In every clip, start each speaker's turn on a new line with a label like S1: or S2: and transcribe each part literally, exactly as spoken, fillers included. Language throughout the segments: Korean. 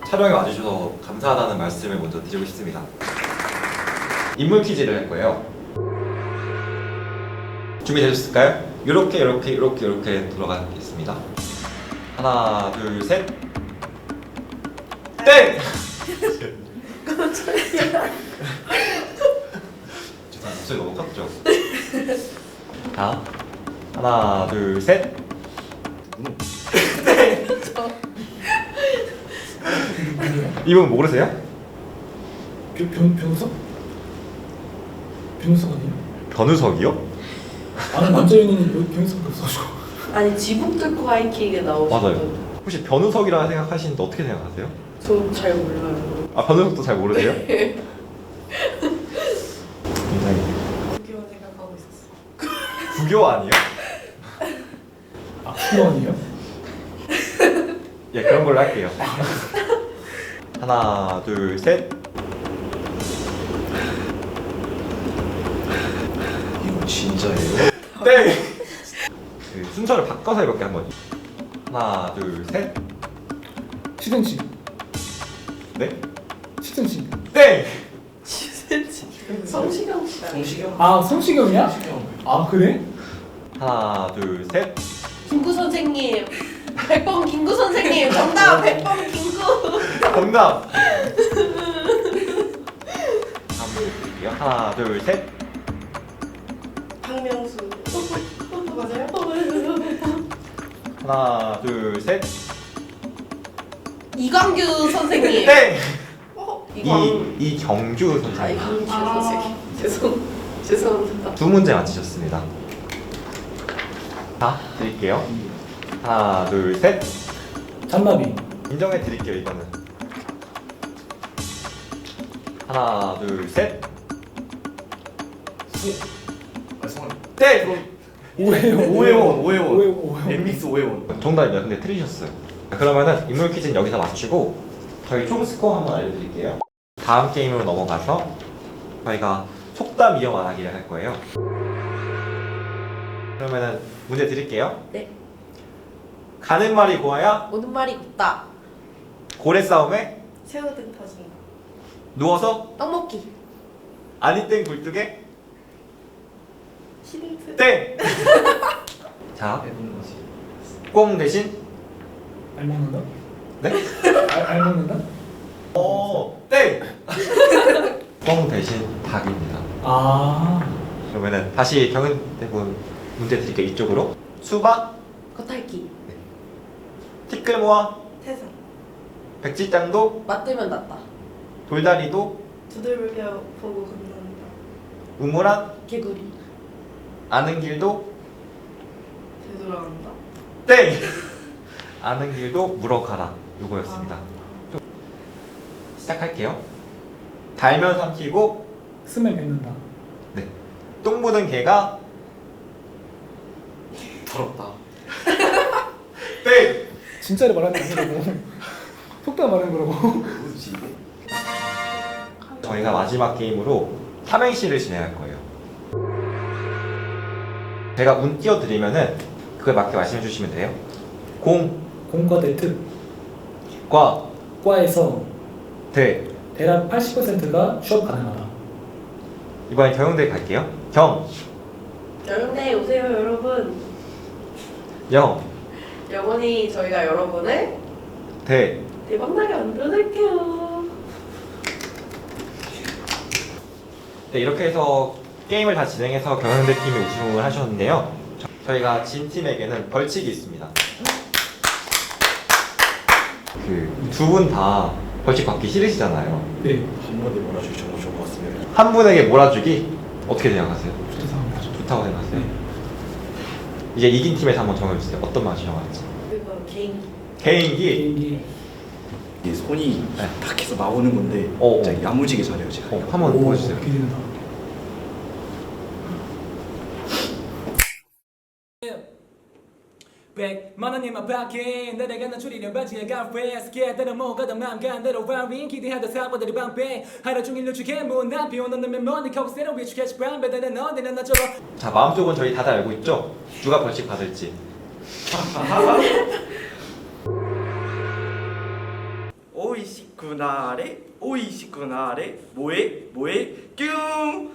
S1: 촬영에 와주셔서 감사하다는 말씀을 먼저 드리고 싶습니다. 인물 퀴즈를 할 거예요. 준비되셨을까요? 이렇게 이렇게 이렇게 이렇게 돌아가겠습니다. 하나 둘 셋. 땡! 죄송합니다. 목소리 너무 컸죠? 자, 하나 둘 셋. 땡! 이분 모르세요?
S2: 변, 변, 변우석? 변우석 아니에요?
S1: 변우석이요?
S2: 아는 남자 연예인이 변우석밖에 없어가지고.
S3: 아니 지붕 뚫고 하이킥에 나오셨던.
S1: 맞아요. 혹시 변우석이라 생각하시는데 어떻게 생각하세요?
S3: 저잘 몰라요.
S1: 아, 변우석도 잘 모르세요? 굉장히
S3: 구교 생각하고 있었어.
S1: 구교 아니에요?
S2: 아, 그거 아니에요?
S1: 예, 그런 걸로 할게요. 하나 둘 셋.
S4: 이거 진짜예요?
S1: 땡! 그 순서를 바꿔서 해볼게 한번. 하나 둘 셋.
S2: 시든지.
S1: 네?
S2: 시든지.
S1: 땡!
S3: 성시경 씨.
S4: 성시경?
S2: 아, 성시경이야?
S4: 성시경.
S2: 아, 그래?
S1: 하나 둘 셋.
S3: 김구 선생님. 백범 김구 선생님. 정답 백범 김구.
S1: 정답! 다음 문제 드릴게요. 하나 둘 셋.
S3: 박명수. 맞아요?
S1: 하나 둘 셋.
S3: 이광규 선생님.
S1: 땡!
S3: 어? 이광.
S1: 이, 이경규
S3: 아
S1: 선생님.
S3: 이광규 선생님. 죄송 죄송합니다.
S1: 두 문제 맞히셨습니다. 자, 드릴게요. 하나 둘 셋.
S2: 잔나비.
S1: 인정해 드릴게요, 이거는. 하나 둘 셋.
S4: 아, 성함.
S1: 땡!
S2: 오해원.
S4: 오해원, 오해원.
S2: 오해원. 오해원.
S4: 엠믹스 오해원.
S1: 정답입니다. 근데 틀리셨어요. 그러면은 인물 퀴즈는 여기서 마치고 저희 총 스코어 한번 알려드릴게요. 다음 게임으로 넘어가서 저희가 속담 이용 안 하기를 할 거예요. 그러면은 문제 드릴게요.
S3: 네.
S1: 가는 말이 고와야
S3: 오는 말이 곱다.
S1: 고래 싸움에
S3: 새우등 터진 거.
S1: 누워서
S3: 떡 먹기.
S1: 아니 땡 굴뚝에
S3: 힌트.
S1: 땡! 자,
S4: 해보는 거지.
S1: 꽁 대신
S2: 알 먹는다?
S1: 네?
S2: 알, 알 먹는다?
S1: 어, 땡! 꽁 대신 닭입니다.
S2: 아.
S1: 그러면은 다시 경은대본 문제 드릴게요. 이쪽으로. 수박,
S3: 겉핥기.
S1: 티끌 모아,
S3: 태산.
S1: 백지장도,
S3: 맞들면 낫다.
S1: 돌다리도,
S3: 두들겨 보고 걷는다.
S1: 우물안,
S3: 개구리.
S1: 아는 길도
S3: 되돌아간다.
S1: 땡! 아는 길도 물어가라. 요거였습니다.
S3: 아.
S1: 시작할게요. 달면 삼키고
S2: 스멜 뱉는다.
S1: 네. 똥 묻은 개가
S4: 더럽다.
S1: 땡!
S2: 진짜를 말하는 게 아니라고. 속담 말하는 거라고.
S4: 뭐지 이게?
S1: 저희가 마지막 게임으로 삼행시를 진행할 거예요. 제가 운 띄워드리면은 그거에 맞게 말씀해 주시면 돼요. 공,
S2: 공과 대특.
S1: 과,
S2: 과에서
S1: 대.
S2: 대략 팔십 퍼센트가 취업 가능하다.
S1: 이번엔 경영대 갈게요. 경,
S3: 영대 오세요 여러분.
S1: 영,
S3: 영원히 저희가 여러분을
S1: 대.
S3: 대박나게 만들어낼게요.
S1: 네, 이렇게 해서 게임을 다 진행해서 경영대 팀이 우승을 하셨는데요. 저희가 진 팀에게는 벌칙이 있습니다. 그 두 분 다 벌칙 받기 싫으시잖아요.
S2: 네.
S4: 한 번에 몰아주기 정말 좋을 것 같습니다.
S1: 한 분에게 몰아주기 어떻게 생각하세요?
S2: 좋다 생각합니다.
S1: 좋다고 생각하세요?
S2: 네.
S1: 이제 이긴 팀에서 한번 정해주세요. 어떤 맛이 정할지.
S3: 그리고 개인.
S1: 개인기.
S2: 개인기.
S4: 이게 손이
S1: 네.
S4: 탁 해서 나오는 건데
S1: 어, 어.
S4: 진짜 야무지게 잘해요 제가.
S1: 어, 한번
S2: 오,
S1: 보여주세요.
S2: 기대된다. 백만 원님 앞에 내려가는 줄이려 바지에 가페스 깨달아 뭐가다 맘 간대로 와윈 기대하던 사고들이 방패 하루 종일 누추게 못난 비오는 놈의 머니 커브 새로 위축해지 밤배다는 어디는 나처럼.
S1: 자, 마음속은 저희 다들 알고 있죠? 누가 벌칙 받을지.
S4: 오이씨.
S5: 그날에 오이시 그날에 뭐해 뭐해 뀨.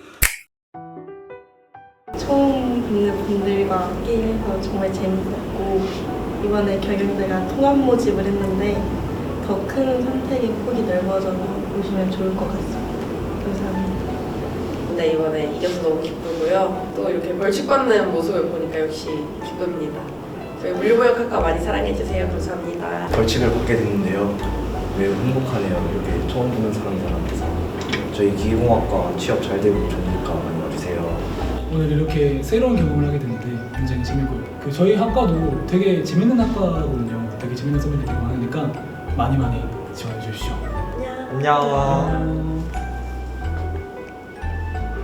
S6: 처음 뵙는 분들과 게임해서 정말 재밌었고 이번에 경영대가 통합 모집을 했는데 더 큰 선택의 폭이 넓어져서 오시면 좋을 것 같습니다. 감사합니다.
S3: 네, 이번에 이겨서 너무 기쁘고요. 또 이렇게 벌칙받는 모습을 보니까 역시 기쁩니다. 저희 물류무역학과 많이 사랑해주세요. 감사합니다.
S4: 벌칙을 받게 됐는데요. 매우 행복하네요. 이렇게 처음 보는 사람들한테서. 저희 기계공학과 취업 잘 되고 좋으니까 많이 와주세요.
S2: 오늘 이렇게 새로운 경험을 하게 됐는데 굉장히 재밌고요. 그 저희 학과도 되게 재밌는 학과거든요. 되게 재밌는 선배들이 많으니까 많이 많이 지원해 주십시오.
S1: 안녕.